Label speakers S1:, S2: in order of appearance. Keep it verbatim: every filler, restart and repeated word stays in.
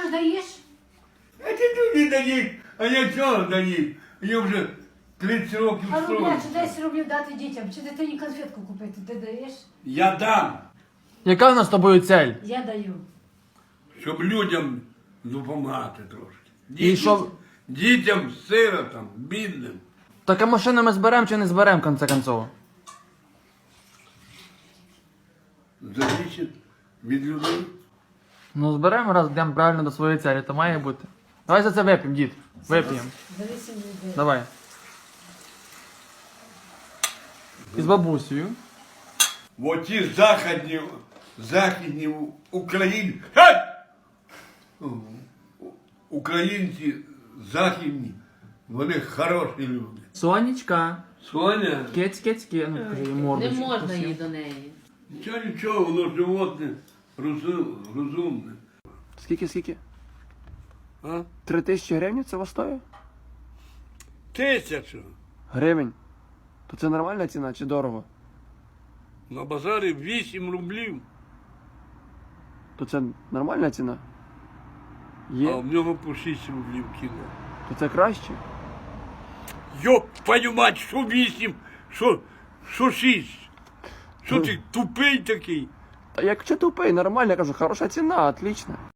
S1: ж даєш?
S2: А ти туди даєш, а я чого даєш? Я вже тридцять років
S1: А рубля чи
S2: строю.
S1: десять рублів дати дітям, чи дитині конфетку купити, ти даєш?
S2: Я дам,
S3: Яка в нас з тобою цель?
S1: Я даю.
S2: щоб людям допомагати трошки.
S3: І
S2: Дітям,
S3: що?
S2: дітям, сиротам, бідним.
S3: Так а машину ми зберемо чи не зберемо, в конце концов?
S2: Залежить від людей.
S3: Ну зберемо, раз йдемо правильно до своєї цілі, то має бути. Давай за це вип'ємо, дід. Вип'ємо.
S1: За вісім людей.
S3: Давай. І з бабусею.
S2: Оті західні, західні Україні. Геть! Українці західні, вони хороші люди.
S3: Сонечка.
S2: Соня,
S3: Кець, кець, кець. Ну, кажи, їй
S4: Не
S3: мордочку.
S4: можна
S3: посів.
S4: їй до неї.
S2: нічого, нічого, воно животне розум, розумне.
S3: Скільки, скільки?
S2: А?
S3: Три тисячі гривень це стоїть?
S2: Тисячу.
S3: Гривень. То це нормальна ціна чи дорого?
S2: На базарі вісім рублів,
S3: То це нормальна ціна?
S2: а
S3: Є?
S2: в нього по шість рублів кіло.
S3: То це краще?
S2: Йоп, твою мать, що вісім, що, що шість? Що ти тупий такий?
S3: Та якщо тупий, нормально, я кажу, хороша ціна, отлично.